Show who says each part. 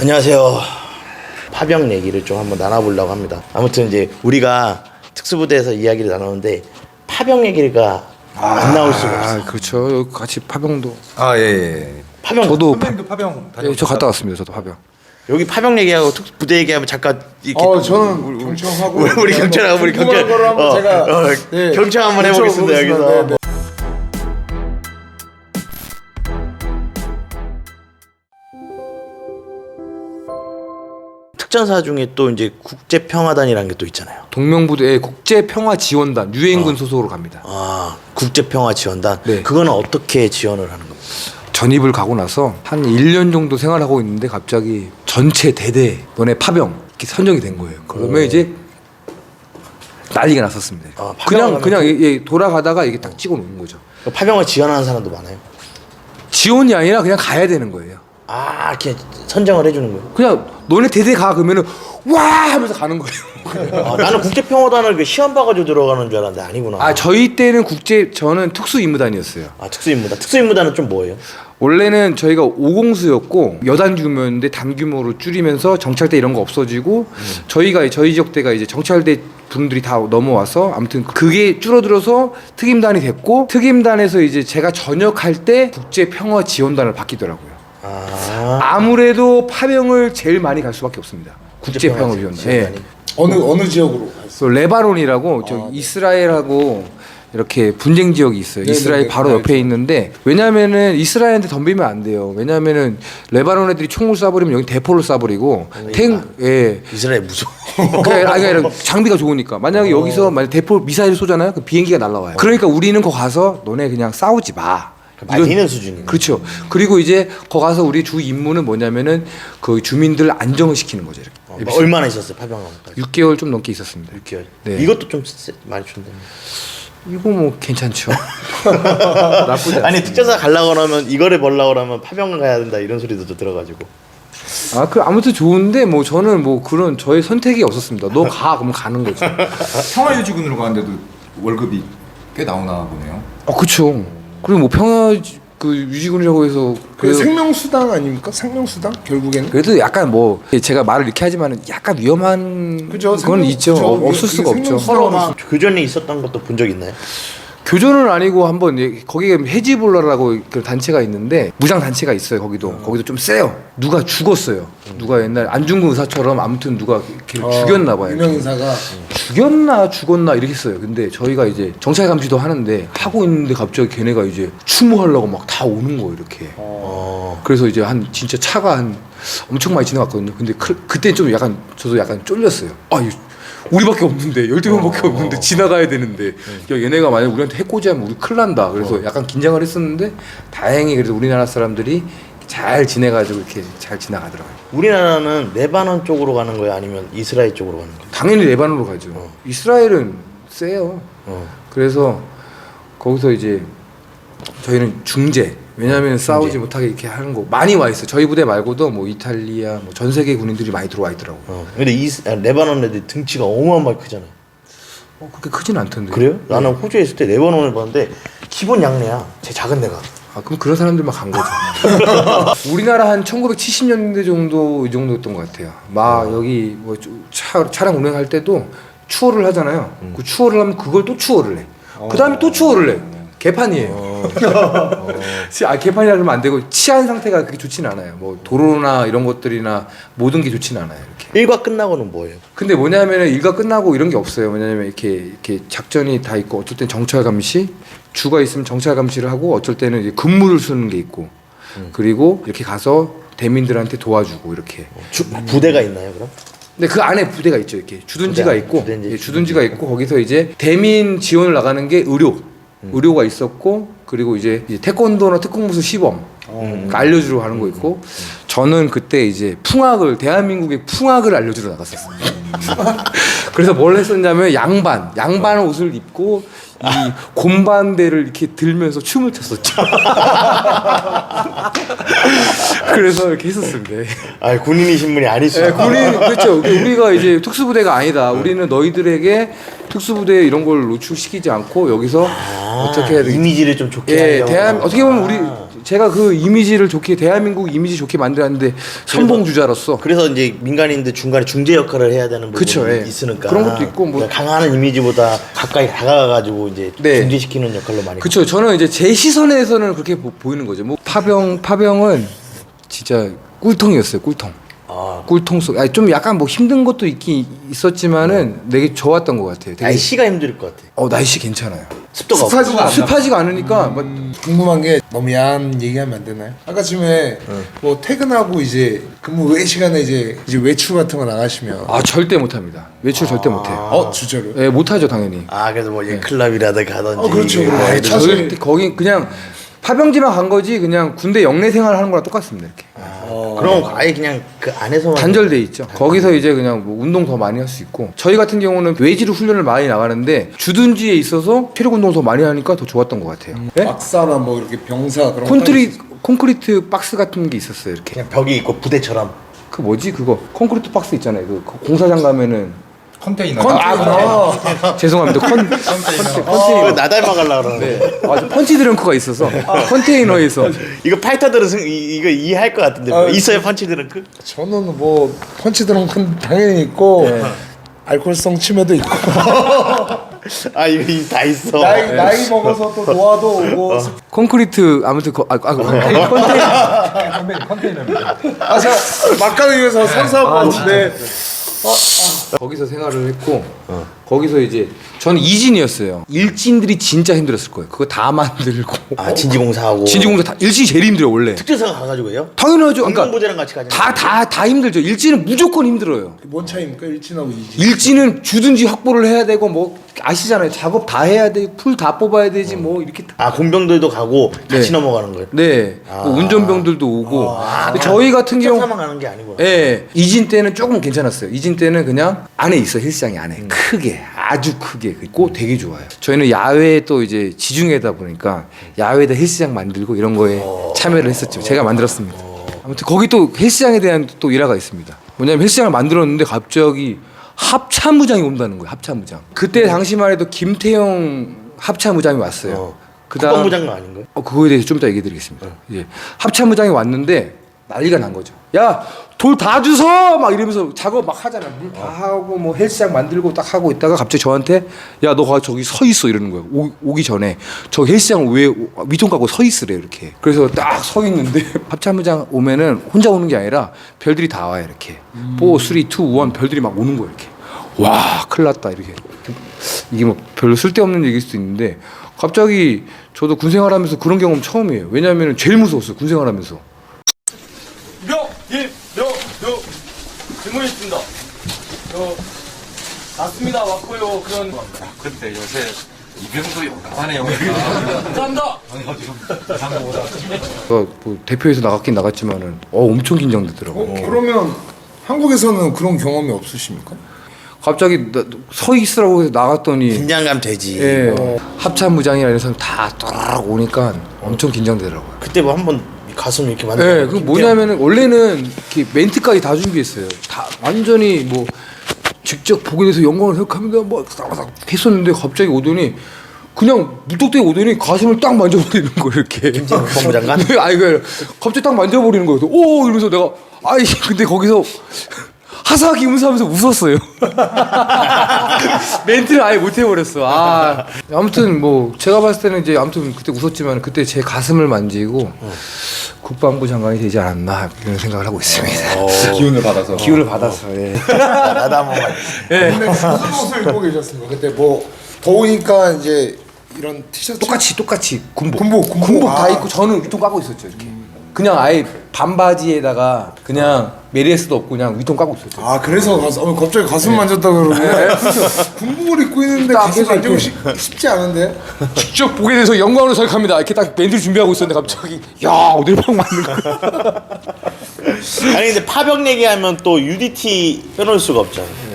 Speaker 1: 안녕하세요. 파병 얘기를 좀 한번 나눠보려고 합니다. 아무튼 이제 우리가 특수부대에서 이야기를 나누는데 파병 얘기가 안 나올 수가 없어요.
Speaker 2: 그렇죠. 여기 같이 파병도.
Speaker 1: 예. 파병
Speaker 2: 저도
Speaker 3: 선배님도 파병 다녀오셨어요?
Speaker 2: 저 갔다 왔습니다. 저도 파병.
Speaker 1: 여기 파병 얘기하고 특수부대 얘기하면 잠깐 이렇게
Speaker 3: 저는 경청하고
Speaker 1: 우리 경찰하고 우리 경찰
Speaker 3: 거를 한번 제가
Speaker 1: 경청 한번 해보겠습니다 여기서.
Speaker 3: 네.
Speaker 1: 특전사 중에 또 이제 국제평화단이라는 게 또 있잖아요.
Speaker 2: 동명부대 국제평화지원단 유엔군 소속으로 갑니다.
Speaker 1: 아, 국제평화지원단.
Speaker 2: 네.
Speaker 1: 그거는 어떻게 지원을 하는 겁니까?
Speaker 2: 전입을 가고 나서 한 1년 정도 생활하고 있는데 갑자기 전체 대대 너네 파병 이렇게 선정이 된 거예요. 그러면 이제 난리가 났었습니다.
Speaker 1: 아, 파병을
Speaker 2: 그냥 돌아가다가 이게 딱 찍어 놓은 거죠.
Speaker 1: 파병을 지원하는 사람도 많아요.
Speaker 2: 지원이 아니라 그냥 가야 되는 거예요.
Speaker 1: 아, 이렇게 선정을 해주는 거예요.
Speaker 2: 그냥 너네 대대 가 그러면은 와 하면서 가는 거예요.
Speaker 1: 아, 나는 국제평화단을 그 시험 봐가지고 들어가는 줄 알았는데 아니구나.
Speaker 2: 아 저희 때는 저는 특수임무단이었어요.
Speaker 1: 아, 특수임무단. 특수임무단은 좀 뭐예요?
Speaker 2: 원래는 저희가 5공수였고 여단 규모였는데 단 규모로 줄이면서 정찰대 이런 거 없어지고 저희 지역대가 이제 정찰대 분들이 다 넘어와서 아무튼 그게 줄어들어서 특임단이 됐고 특임단에서 이제 제가 전역할 때 국제평화지원단을 바뀌더라고요. 아무래도 파병을 제일 많이 갈 수밖에 없습니다. 국제평화지원단. 예.
Speaker 3: 어느 지역으로 갔어요?
Speaker 2: 그 레바논이라고 저 이스라엘하고 이렇게 분쟁 지역이 있어요.
Speaker 3: 네네네,
Speaker 2: 이스라엘 바로 옆에 있는데 왜냐면은 이스라엘한테 덤비면 안 돼요. 왜냐면은 레바논 애들이 총을 쏴버리면 여기 대포를 쏴버리고
Speaker 1: 이스라엘 무서워.
Speaker 2: 아니 장비가 좋으니까 만약에 여기서 만약 대포 미사일 쏘잖아요. 그 비행기가 날라와요. 그러니까 우리는 거 가서 너네 그냥 싸우지 마.
Speaker 1: 말리는 수준이네.
Speaker 2: 그렇죠. 그리고 이제 거 가서 우리 주 임무는 뭐냐면은 그 주민들 안정을 시키는 거죠. 이렇게.
Speaker 1: 얼마나 있었어요, 파병하면까지?
Speaker 2: 6개월 좀 넘게 있었습니다.
Speaker 1: 6개월.
Speaker 2: 네.
Speaker 1: 이것도 좀 많이 준다.
Speaker 2: 이거 뭐 괜찮죠. 나쁘지 않습니다.
Speaker 1: 아니, 특전사 가려고 하면 이거를 벌려고 하면 파병을 가야 된다 이런 소리도 좀 들어가지고.
Speaker 2: 아무튼 좋은데 뭐 저는 뭐 그런 저의 선택이 없었습니다. 너 가 그러면 가는 거죠.
Speaker 3: 평화유지군으로 가는데도 월급이 꽤 나오나 보네요.
Speaker 2: 그렇죠. 그리고 뭐 평화 그 유지군이라고 해서
Speaker 4: 그 생명수당 아닙니까? 생명수당 결국에는.
Speaker 2: 그래도 약간 뭐 제가 말을 이렇게 하지만은 약간 위험한
Speaker 4: 그죠,
Speaker 2: 건 있죠.
Speaker 4: 그죠.
Speaker 2: 없을 수가 없죠.
Speaker 4: 생명수당.
Speaker 1: 서로 막 교전이 있었던 것도 본 적 있나요?
Speaker 2: 교전은 아니고 한번 거기에 헤지볼라라고 그 단체가 있는데 무장 단체가 있어요. 거기도 좀 세요. 누가 죽었어요. 누가 옛날 안중근 의사처럼 아무튼 누가 죽였나 봐요.
Speaker 4: 유명 인사가
Speaker 2: 죽었나 이렇게 했어요. 근데 저희가 이제 정찰 감시도 하는데 하고 있는데 갑자기 걔네가 이제 추모하려고 막 다 오는 거예요. 이렇게. 그래서 이제 진짜 차가 엄청 많이 지나갔거든요. 근데 그때 좀 저도 약간 쫄렸어요. 우리밖에 없는데 12명밖에 없는데 지나가야 되는데 야, 얘네가 만약 우리한테 해코지하면 우리 큰일 난다. 그래서 약간 긴장을 했었는데 다행히 그래도 우리나라 사람들이 잘 지내가지고 이렇게 잘 지나가더라고요.
Speaker 1: 우리나라는 레바논 쪽으로 가는 거예요? 아니면 이스라엘 쪽으로 가는 거예요?
Speaker 2: 당연히 레바논으로 가죠. 이스라엘은 세요. 그래서 거기서 이제 저희는 중재. 왜냐하면 싸우지 못하게 이렇게 하는 거 많이 와 있어요. 저희 부대 말고도 뭐 이탈리아, 뭐 전 세계 군인들이 많이 들어와 있더라고요.
Speaker 1: 근데 레바논 애들 등치가 어마어마하게 크잖아요.
Speaker 2: 그렇게 크진 않던데.
Speaker 1: 그래요? 나는 호주에 있을 때 레바논을 봤는데 기본 양내야. 제 작은 데가.
Speaker 2: 그럼 그런 사람들만 간 거죠. 우리나라 한 1970년대 정도 이 정도였던 것 같아요. 여기 뭐 차량 운행할 때도 추월을 하잖아요. 그 추월을 하면 그걸 또 추월을 해. 그 다음에 또 추월을 해. 개판이에요. 개판이라 그러면 안 되고 치안 상태가 그렇게 좋지는 않아요. 뭐 도로나 이런 것들이나 모든 게 좋지는 않아요. 이렇게.
Speaker 1: 일과 끝나고는 뭐예요?
Speaker 2: 근데 뭐냐면은 일과 끝나고 이런 게 없어요. 왜냐면 이렇게 작전이 다 있고 어쩔 땐 정찰 감시, 주가 있으면 정찰 감시를 하고 어쩔 때는 이제 근무를 쓰는 게 있고 그리고 이렇게 가서 대민들한테 도와주고 이렇게.
Speaker 1: 부대가 있나요, 그럼?
Speaker 2: 근데 그 안에 부대가 있죠. 이렇게 주둔지가 있고 주둔지가 있고 거기서 이제 대민 지원을 나가는 게 의료가 있었고 그리고 이제 태권도나 특공무술 시범 알려주러 가는 거 있고 저는 그때 이제 대한민국의 풍악을 알려주러 나갔었어요. 그래서 뭘 했었냐면 양반 옷을 입고 이 곰반대를 이렇게 들면서 춤을 췄었죠. 그래서 이렇게 했었습니다.
Speaker 1: 군인이신 분이 아니시죠?
Speaker 2: 군인 그렇죠. 우리가 이제 특수부대가 아니다. 우리는 너희들에게 특수부대 이런 걸 노출시키지 않고 여기서 어떻게 해야 되겠지?
Speaker 1: 이미지를 좀 좋게 하려고.
Speaker 2: 어떻게 보면 우리 제가 그 이미지를 좋게 대한민국 이미지 좋게 만들었는데 선봉 주자로서
Speaker 1: 그래서 이제 민간인들 중간에 중재 역할을 해야 되는 부분이
Speaker 2: 그쵸, 예.
Speaker 1: 있으니까
Speaker 2: 그런 것도 있고 뭐
Speaker 1: 그러니까 강한 이미지보다 가까이 다가가가지고 이제
Speaker 2: 네.
Speaker 1: 중재시키는 역할로 많이.
Speaker 2: 그렇죠. 저는 이제 제 시선에서는 그렇게 보이는 거죠. 뭐 파병은 진짜 꿀통이었어요. 꿀통.
Speaker 1: 아,
Speaker 2: 꿀통 속. 아니 좀 약간 뭐 힘든 것도 있긴 있었지만은 되게 좋았던 것 같아요. 되게
Speaker 1: 날씨가 힘들 것 같아.
Speaker 2: 날씨 괜찮아요.
Speaker 1: 습도가 없고.
Speaker 4: 습하지가 않나?
Speaker 2: 습하지가 않으니까 막
Speaker 4: 궁금한 게 너무 야한 얘기하면 안 되나요? 아까 쯤에 뭐 퇴근하고 이제 근무 외 시간에 이제 외출 같은 거 나가시면
Speaker 2: 절대 못합니다. 외출 절대 못해요.
Speaker 4: 진짜로요?
Speaker 2: 예, 못하죠 당연히.
Speaker 1: 아 그래서 뭐 클럽이라든가 하던지.
Speaker 4: 그렇죠, 그렇죠.
Speaker 1: 아,
Speaker 4: 차-
Speaker 2: 절대 거기 그냥 파병지만 간 거지 그냥 군대 영내 생활 하는 거랑 똑같습니다. 이렇게.
Speaker 1: 그럼 아예 그냥 그 안에서만
Speaker 2: 단절돼 있죠. 거기서 이제 그냥 뭐 운동 더 많이 할 수 있고 저희 같은 경우는 외지로 훈련을 많이 나가는데 주둔지에 있어서 체력 운동 더 많이 하니까 더 좋았던 것 같아요. 예?
Speaker 4: 박사나 뭐 이렇게 병사 그런
Speaker 2: 콘크리트 박스 같은 게 있었어요. 이렇게
Speaker 1: 그냥 벽이 있고 부대처럼.
Speaker 2: 그 뭐지 그거 콘크리트 박스 있잖아요. 그 공사장 가면은
Speaker 3: 컨테이너.
Speaker 2: 죄송합니다.
Speaker 1: 이거 나 닮아가려고 그러는데.
Speaker 2: 네. 맞아. 펀치 드렁크가 있어서 컨테이너에서
Speaker 1: 이거 파이터들은 이거 이해할 것 같은데 있어요 펀치 드렁크?
Speaker 4: 저는 뭐 펀치 드렁큰 당연히 있고 알코올성 치매도 있고
Speaker 1: 아 이거 다 있어.
Speaker 4: 나이 먹어서 또 노화도 오고
Speaker 2: 콘크리트 아무튼 컨테이너입니다.
Speaker 4: 제가 막간을 위해서 선사하고 네.
Speaker 2: 거기서 생활을 했고 거기서 이제 저는 이진이었어요. 일진들이 진짜 힘들었을 거예요. 그거 다 만들고
Speaker 1: 아 진지공사하고.
Speaker 2: 진지공사 다 일진이 제일 힘들어요 원래.
Speaker 1: 특전사가 가가지고 해요?
Speaker 2: 당연하죠. 그러니까
Speaker 1: 공공부대랑 같이 가죠.
Speaker 2: 다 힘들죠. 일진은 무조건 힘들어요.
Speaker 4: 뭔 차이입니까? 일진하고 이진
Speaker 2: 일진은 주둔지 확보를 해야 되고 뭐 아시잖아요. 작업 다 해야 돼. 풀 다 뽑아야 되지 뭐 이렇게.
Speaker 1: 아 공병들도 가고 같이
Speaker 2: 네.
Speaker 1: 넘어가는 거예요?
Speaker 2: 네. 뭐 운전병들도 오고. 근데 저희 같은 경우
Speaker 1: 특전사만 가는 게 아니구나.
Speaker 2: 예. 이진 때는 조금 괜찮았어요. 이진 때는 그냥 안에 있어 헬스장이 안에 크게 아주 크게 있고 되게 좋아요. 저희는 야외에 또 이제 지중해다 보니까 야외에다 헬스장 만들고 이런 거에 참여를 했었죠. 제가 만들었습니다. 아무튼 거기 또 헬스장에 대한 또 일화가 있습니다. 뭐냐면 헬스장을 만들었는데 갑자기 합참무장이 온다는 거예요. 합참무장. 그때 당시만 해도 김태형 합참무장이 왔어요. 그다음
Speaker 1: 국방부장관 아닌가요?
Speaker 2: 그거에 대해서 좀 이따 얘기 드리겠습니다. 예. 합참무장이 왔는데 난리가 난 거죠. 야, 돌 다 주워! 막 이러면서 작업 막 하잖아. 물 다 하고 뭐 헬스장 만들고 딱 하고 있다가 갑자기 저한테 야, 너 저기 서 있어 이러는 거예요. 오기 전에 저 헬스장 왜 위통 갖고 서 있으래 이렇게. 그래서 딱 서 있는데 합참무장 오면은 혼자 오는 게 아니라 별들이 다 와요 이렇게. 4, 3, 2, 1 별들이 막 오는 거예요 이렇게. 와, 큰일 났다 이렇게. 이게 뭐 별로 쓸데없는 얘기일 수도 있는데 갑자기 저도 군 생활하면서 그런 경험 처음이에요. 왜냐하면 제일 무서웠어요 군 생활하면서.
Speaker 5: 질문이 있습니다. 맞습니다. 왔고요. 그런.
Speaker 6: 근데 요새 이병도 용감하네요.
Speaker 5: 감사합니다.
Speaker 2: 뭐 대표에서 나갔긴 나갔지만은 엄청 긴장되더라고.
Speaker 4: 그러면 한국에서는 그런 경험이 없으십니까?
Speaker 2: 갑자기 서 있으라고 해서 나갔더니
Speaker 1: 긴장감 되지.
Speaker 2: 예, 합참무장이나 이런 사람 딱 오니까 엄청 긴장되더라고요.
Speaker 1: 그때 뭐 한번 가슴 이렇게
Speaker 2: 예,
Speaker 1: 만들어.
Speaker 2: 그 뭐냐면은 원래는 이렇게 멘트까지 다 준비했어요. 다 완전히 뭐 직접 보게 돼서 영광을 생각합니다. 뭐 했었는데 갑자기 오더니 그냥 무턱대고 오더니 가슴을 딱 만져버리는 거예요 이렇게.
Speaker 1: 국방부장관?
Speaker 2: 네, 아니 그 갑자기 딱 만져버리는 거예요. 오 이러면서 내가 아이 근데 거기서 하사하기 웃으면서 웃었어요. 멘트를 아예 못 해버렸어. 아무튼 뭐 제가 봤을 때는 이제 아무튼 그때 웃었지만 그때 제 가슴을 만지고 국방부 장관이 되지 않았나 이런 생각을 하고 있습니다.
Speaker 3: 기운을 받아서.
Speaker 2: 기운을 받아서. 예.
Speaker 1: 나도 한 번만.
Speaker 4: 근데 무슨 옷을 입고 계셨습니까? 그때 뭐 더우니까 이제 이런 티셔츠
Speaker 2: 똑같이 군복
Speaker 4: 군복.
Speaker 2: 다 입고 저는 위통 까고 있었죠 이렇게. 그냥 아예 반바지에다가 그냥 메리에스도 없고 그냥 위통 까고 있었죠.
Speaker 4: 그래서 갑자기 가슴 만졌다 그러네. 군복을 입고 있는데
Speaker 2: 딱
Speaker 4: 가슴
Speaker 2: 해서
Speaker 4: 만지고
Speaker 2: 이렇게.
Speaker 4: 쉽지 않은데.
Speaker 2: 직접 보게 돼서 영광으로 생각합니다. 이렇게 딱 멘트를 준비하고 있었는데 갑자기 야 어딜 팍 맞는 거야.
Speaker 1: 아니 근데 파병 얘기하면 또 UDT 빼놓을 수가 없잖아.